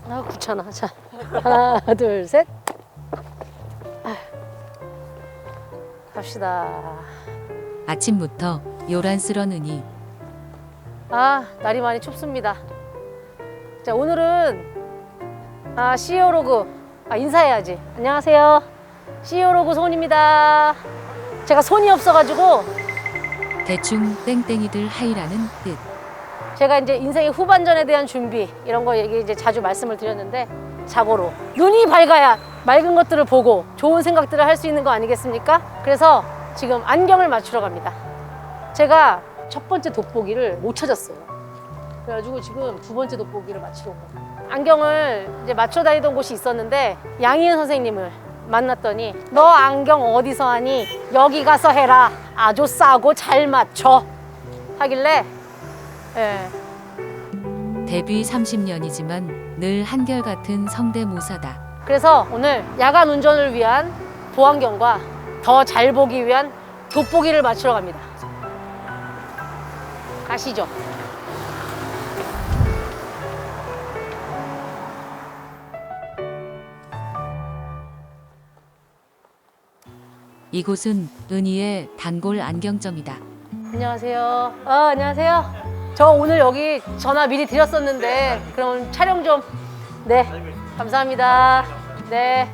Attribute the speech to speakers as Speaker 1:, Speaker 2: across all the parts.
Speaker 1: 아, 귀찮아. 자, 하나, 둘, 셋. 아휴, 갑시다.
Speaker 2: 아침부터 요란스런 은희.
Speaker 1: 아, 날이 많이 춥습니다. 자, 오늘은 CEO 로그 인사해야지. 안녕하세요. CEO 로그 손입니다. 제가 손이 없어가지고
Speaker 2: 대충 땡땡이들 하이라는 뜻.
Speaker 1: 제가 이제 인생의 후반전에 대한 준비 이런 거 얘기 이제 자주 말씀을 드렸는데 자고로 눈이 밝아야 맑은 것들을 보고 좋은 생각들을 할 수 있는 거 아니겠습니까? 그래서 지금 안경을 맞추러 갑니다. 제가 첫 번째 돋보기를 못 찾았어요. 그래가지고 지금 두 번째 돋보기를 맞추러 온 거예요. 안경을 이제 맞춰 다니던 곳이 있었는데 양희은 선생님을 만났더니 너 안경 어디서 하니? 여기 가서 해라. 아주 싸고 잘 맞춰. 하길래 예.
Speaker 2: 데뷔 30년이지만 늘 한결같은 성대모사다. 그래서
Speaker 1: 오늘 야간 운전을 위한 보안경과 더 잘 보기 위한 돋보기를 맞추러 갑니다. 가시죠.
Speaker 2: 이곳은 은희의 단골 안경점이다.
Speaker 1: 안녕하세요. 안녕하세요. 저 오늘 여기 전화 미리 드렸었는데 그럼 촬영 좀. 네. 감사합니다. 네.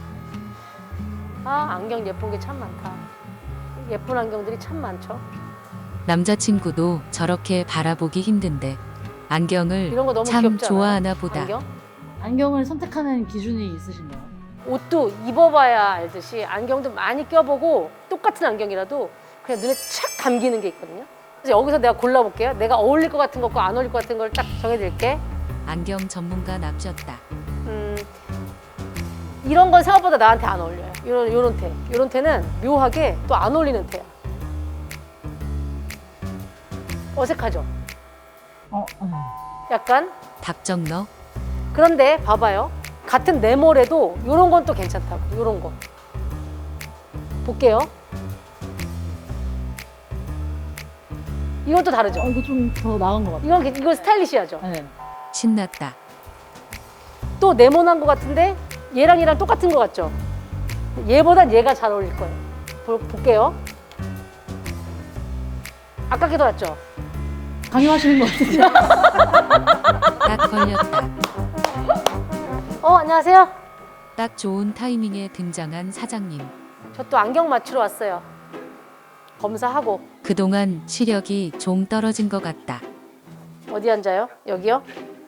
Speaker 1: 안경 예쁜 게 참 많다. 예쁜 안경들이 참 많죠.
Speaker 2: 남자친구도 저렇게 바라보기 힘든데 안경을
Speaker 1: 이런 거 너무
Speaker 2: 참
Speaker 1: 귀엽지 않아요?
Speaker 2: 좋아하나 보다.
Speaker 1: 안경?
Speaker 3: 안경을 선택하는 기준이 있으신가요?
Speaker 1: 옷도 입어봐야 알듯이 안경도 많이 껴보고 똑같은 안경이라도 그냥 눈에 착 감기는 게 있거든요. 그래서 여기서 내가 골라볼게요. 내가 어울릴 것 같은 것과 안 어울릴 것 같은 걸 딱 정해드릴게.
Speaker 2: 안경 전문가 납셨다.
Speaker 1: 이런 건 생각보다 나한테 안 어울려요. 요런 테. 요런 테는 묘하게 또 안 어울리는 테야. 어색하죠? 약간?
Speaker 2: 박정너.
Speaker 1: 그런데 봐봐요. 같은 네모래도 요런 건 또 괜찮다고. 요런 거. 볼게요. 이건 또 다르죠?
Speaker 3: 이거 좀 더 나은 것 같아요.
Speaker 1: 이건 스타일리시하죠?
Speaker 3: 네.
Speaker 2: 신났다.
Speaker 1: 또 네모난 것 같은데 얘랑 똑같은 것 같죠? 얘보단 얘가 잘 어울릴 거예요. 볼게요. 아깝게 더 낫죠?
Speaker 3: 강요하시는 것 같은데.
Speaker 2: 딱 걸렸다.
Speaker 1: 안녕하세요.
Speaker 2: 딱 좋은 타이밍에 등장한 사장님.
Speaker 1: 저 또 안경 맞추러 왔어요. 검사하고.
Speaker 2: 그동안 시력이 좀 떨어진 것 같다.
Speaker 1: 어디 앉아요? 여기요?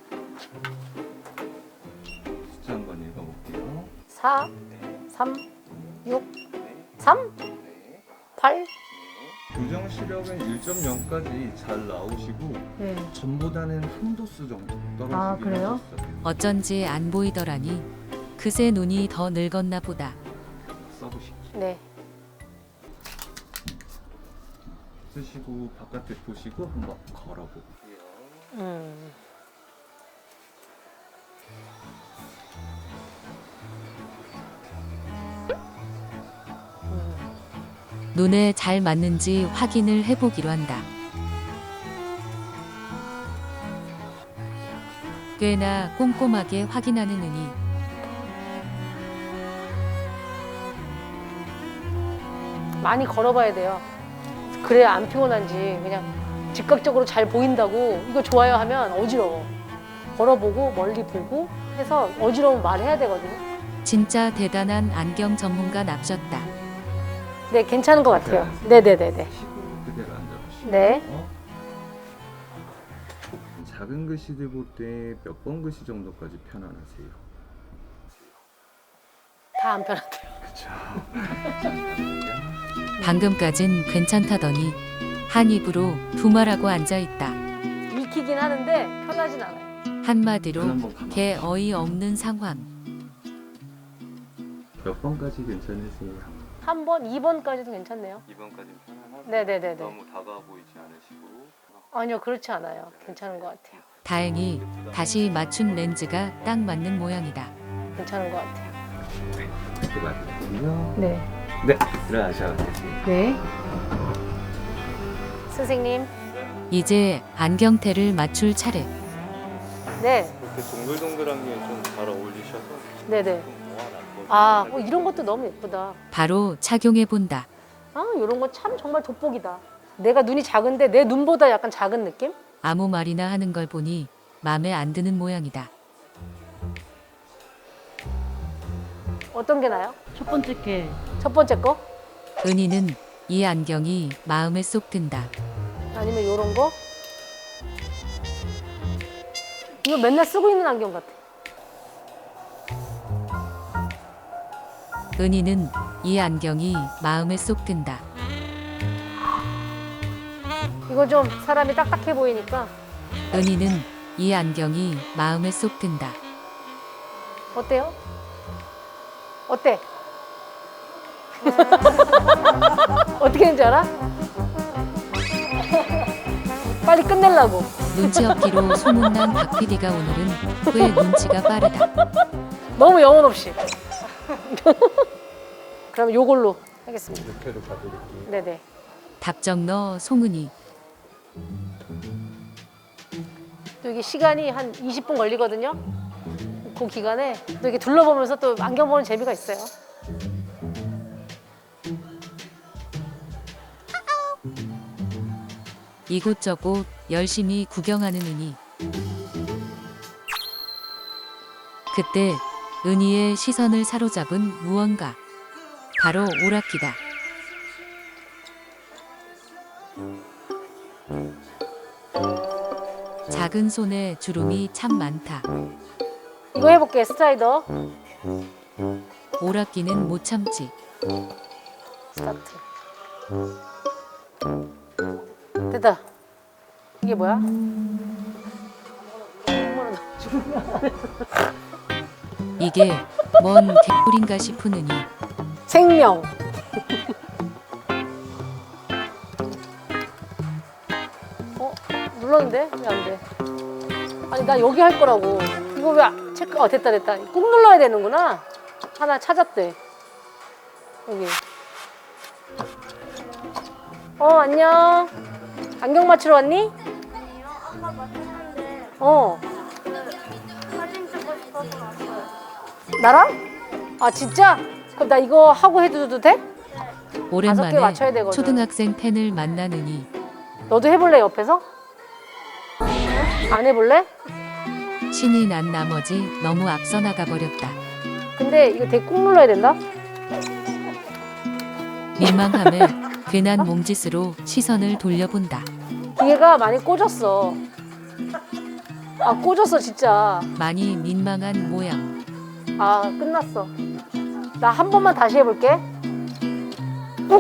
Speaker 4: 숫자 한번 읽어볼게요.
Speaker 1: 4, 3, 6, 3, 8.
Speaker 4: 교정 시력은 1.0까지 잘 나오시고
Speaker 3: 네.
Speaker 4: 전보다는 한 도수 정도 떨어지긴
Speaker 3: 아, 그래요?
Speaker 4: 하셨어요.
Speaker 2: 어쩐지 안 보이더라니. 그새 눈이 더 늙었나 보다.
Speaker 4: 써보시고
Speaker 1: 네.
Speaker 4: 쓰시고 바깥에 보시고 한번 걸어볼게요.
Speaker 1: 음.
Speaker 2: 눈에 잘 맞는지 확인을 해보기로 한다. 꽤나 꼼꼼하게 확인하는 은희.
Speaker 1: 많이 걸어봐야 돼요. 그래야 안 피곤한지 그냥 즉각적으로 잘 보인다고 이거 좋아요 하면 어지러워. 걸어보고 멀리 보고 해서 어지러우면 말해야 되거든요.
Speaker 2: 진짜 대단한 안경 전문가 납셨다.
Speaker 1: 네, 괜찮은 것 같아요. 네네네네.
Speaker 4: 쉬고 그대로 앉아보시고
Speaker 1: 네.
Speaker 4: 작은 글씨들 볼 때 몇 번 글씨 정도까지 편안하세요?
Speaker 1: 다 안 편하대요.
Speaker 4: 그쵸.
Speaker 2: 방금까진 괜찮다더니 한 입으로 두말하고 앉아있다.
Speaker 1: 읽히긴 하는데 편하진 않아요.
Speaker 2: 한마디로 개 어이없는 상황.
Speaker 4: 몇 번까지 괜찮으세요?
Speaker 1: 한 번, 2번까지도 괜찮네요.
Speaker 4: 2번까지는 편안하고
Speaker 1: 네네네네.
Speaker 4: 너무 다가와 보이지 않으시고
Speaker 1: 아니요, 그렇지 않아요. 괜찮은 것 같아요.
Speaker 2: 다행히 다시 맞춘 렌즈가 딱 맞는 모양이다.
Speaker 1: 괜찮은 것 같아요.
Speaker 4: 그렇게 맞으시고요.
Speaker 1: 네.
Speaker 4: 네, 들어가셔도 되세요.
Speaker 1: 네. 선생님.
Speaker 2: 이제 안경테를 맞출 차례.
Speaker 1: 네,
Speaker 5: 이렇게 동글동글한 게 좀 잘 어울리셔서
Speaker 1: 네네.
Speaker 5: 좀 모아놨거든요.
Speaker 1: 아, 이런 것도 너무 예쁘다.
Speaker 2: 바로 착용해 본다.
Speaker 1: 아, 이런 거 참 정말 돋보기다. 내가 눈이 작은데 내 눈보다 약간 작은 느낌?
Speaker 2: 아무 말이나 하는 걸 보니 맘에 안 드는 모양이다.
Speaker 1: 어떤 게 나요?
Speaker 3: 첫 번째 게
Speaker 1: 첫 번째 거?
Speaker 2: 은희는 이 안경이 마음에 쏙 든다.
Speaker 1: 아니면 이런 거? 이거 맨날 쓰고 있는 안경 같아.
Speaker 2: 은희는 이 안경이 마음에 쏙 든다.
Speaker 1: 이거 좀 사람이 딱딱해 보이니까
Speaker 2: 은희는 이 안경이 마음에 쏙 든다.
Speaker 1: 어때요? 어때? 어떻게 되는지 알아? 빨리 끝내려고.
Speaker 2: 눈치 없기로 소문난 박 PD가 오늘은 꽤 눈치가 빠르다.
Speaker 1: 너무 영혼 없이. 그럼 요걸로 하겠습니다.
Speaker 4: 이렇게도 봐드릴게요.
Speaker 1: 네네.
Speaker 2: 답정 너 송은이.
Speaker 1: 또 이게 시간이 한 20분 걸리거든요. 그 기간에 또 이렇게 둘러보면서 또 안경 보는 재미가 있어요.
Speaker 2: 이곳저곳 열심히 구경하는 은희. 그때 은희의 시선을 사로잡은 무언가. 바로 오락기다. 작은 손에 주름이 참 많다.
Speaker 1: 이거 해볼게, 스트라이더.
Speaker 2: 오락기는 못 참지.
Speaker 1: 스타트. 됐다. 이게 뭐야?
Speaker 2: 이게 뭔 개꿀인가 싶은 은희.
Speaker 1: 생명. 눌렀는데 왜 안 돼? 아니 나 여기 할 거라고. 이거 왜 체크? 됐다 됐다. 꾹 눌러야 되는구나. 하나 찾았대. 여기. 안녕. 안경 맞추러 왔니?
Speaker 6: 아니요, 아까 맞췄는데 사진 찍고 싶어서 왔어요.
Speaker 1: 나랑? 아 진짜? 그럼 나 이거 하고 해도 돼?
Speaker 2: 오랜만에
Speaker 1: 맞춰야 되거든.
Speaker 2: 초등학생 팬을 만난 은희.
Speaker 1: 너도 해볼래 옆에서? 안 해볼래?
Speaker 2: 신이 난 나머지 너무 앞서 나가 버렸다.
Speaker 1: 근데 이거 되게 꾹 눌러야 된다.
Speaker 2: 민망함에 괜한 몸짓으로 시선을 돌려본다.
Speaker 1: 기계가 많이 꽂았어. 아 꽂았어 진짜.
Speaker 2: 많이 민망한 모양.
Speaker 1: 아 끝났어. 나 한 번만 다시 해볼게. 꾹.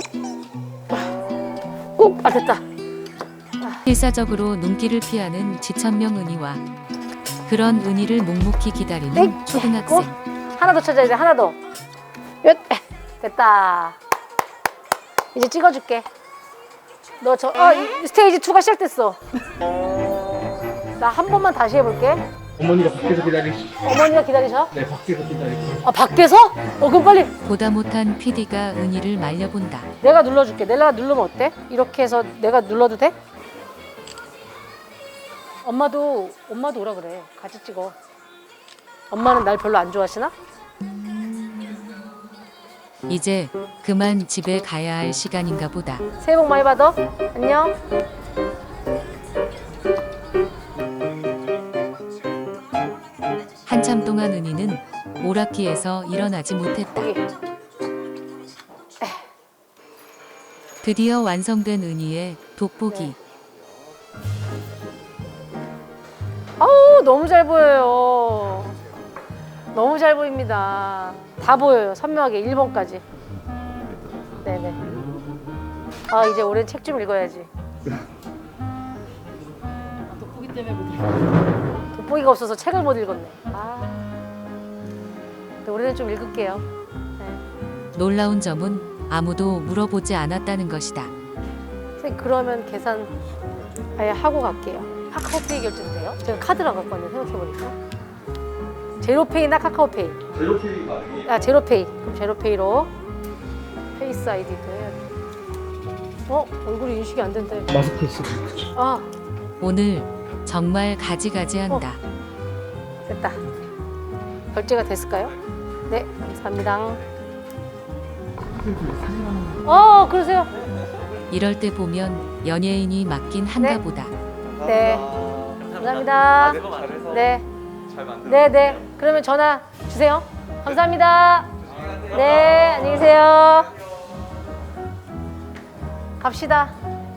Speaker 1: 꾹. 아 됐다.
Speaker 2: 필사적으로 눈길을 피하는 지천명 은희와 그런 은희를 묵묵히 기다리는
Speaker 1: 에이,
Speaker 2: 초등학생.
Speaker 1: 하나 더 찾아야 돼. 하나 더. 얏. 됐다. 이제 찍어줄게. 너 스테이지 2가 시작됐어. 나 한 번만 다시 해볼게.
Speaker 7: 어머니가 밖에서 기다리시.
Speaker 1: 어머니가 기다리셔?
Speaker 7: 네, 밖에서 기다리시.
Speaker 1: 아 밖에서? 그럼 빨리.
Speaker 2: 보다 못한 PD가 은희를 말려본다.
Speaker 1: 내가 눌러줄게. 내가 누르면 어때? 이렇게 해서 내가 눌러도 돼? 엄마도 오라 그래. 같이 찍어. 엄마는 날 별로 안 좋아하시나?
Speaker 2: 이제 그만 집에 가야 할 시간인가 보다.
Speaker 1: 새해 복 많이 받아. 안녕.
Speaker 2: 한참 동안 은희는 오락기에서 일어나지 못했다.
Speaker 1: 여기.
Speaker 2: 드디어 완성된 은희의 돋보기.
Speaker 1: 아우 너무 잘 보여요. 너무 잘 보입니다. 다 보여요. 선명하게 1번까지. 네네. 아 이제 올해 책 좀 읽어야지.
Speaker 3: 돋보기 때문에 못 읽어요.
Speaker 1: 돋보기가 없어서 책을 못 읽었네. 근데 올해는 좀 읽을게요. 네.
Speaker 2: 놀라운 점은 아무도 물어보지 않았다는 것이다.
Speaker 1: 선생님 그러면 계산 아예 하고 갈게요. 카카오페이 결제도 돼요? 제가 카드랑 갖고 왔는데 생각해보니까 제로페이나 카카오페이.
Speaker 5: 제로페이가 아니에요.
Speaker 1: 아 제로페이. 그럼 제로페이로 페이스 아이디도 해야 돼. 얼굴이 인식이 안 된대.
Speaker 7: 마스크 쓰고.
Speaker 1: 아
Speaker 2: 오늘 정말 가지가지한다.
Speaker 1: 됐다. 결제가 됐을까요? 네, 감사합니다. 그러세요?
Speaker 2: 이럴 때 보면 연예인이 맞긴 한가
Speaker 1: 네.
Speaker 2: 보다.
Speaker 1: 네. 감사합니다. 네. 네, 네. 그러면 전화 주세요. 감사합니다. 네, 안녕히 계세요. 갑시다.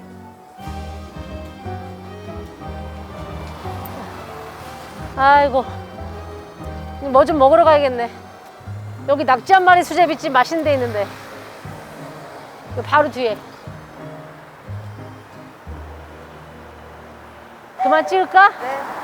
Speaker 1: 아이고. 뭐 좀 먹으러 가야겠네. 여기 낙지 한 마리 수제비집 맛있는 데 있는데. 여기 바로 뒤에. 그만 찍을까?
Speaker 6: 네.